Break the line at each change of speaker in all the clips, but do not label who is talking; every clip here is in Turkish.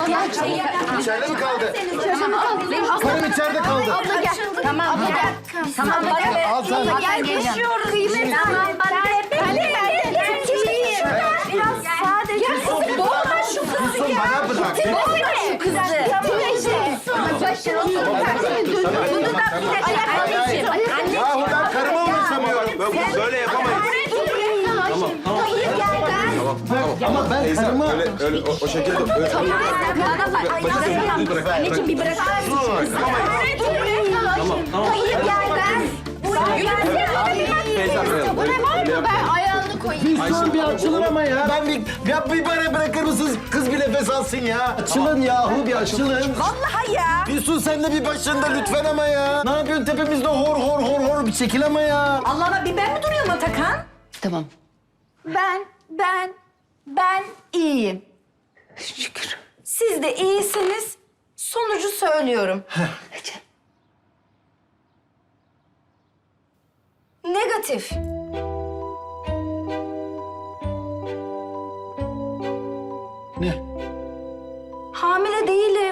İçeride mi kaldı? Karım içeride kaldı.
Abla gel. Tamam gel. Tamam bana
Al sen.
gel koşuyoruz. Tamam bana biraz sadece doğma şu kızı
Füsun bana bırak.
doğma şu kızı.
Yahu ben karıma ulaşamıyorum.
Böyle yapamayız.
Ama ben karıma...
Öyle o şekilde.
Anneciğim bir bırak. Hayır gel ben. Bu ne var mı? Ben ayağını koyayım.
Füsun bir açılın ama ya. Bir bana bırakır mısınız? Kız bir nefes alsın ya. Açılın yahu bir açılın.
Vallahi ya.
Füsun sen de bir başında lütfen ama ya. Ne yapıyorsun tepemizde hor bir çekil ama ya.
Allah'ıma bir ben mi duruyorum Atakan?
Tamam. Ben iyiyim. Şükür. Siz de iyisiniz. Sonucu söylüyorum. Negatif.
Ne?
Hamile değilim.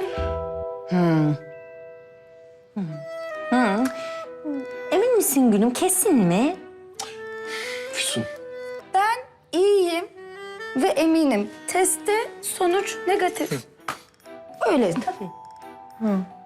Emin misin Gülüm? Kesin mi?
Füsun.
Ben iyiyim ve eminim. Testte sonuç negatif. Öyle tabii.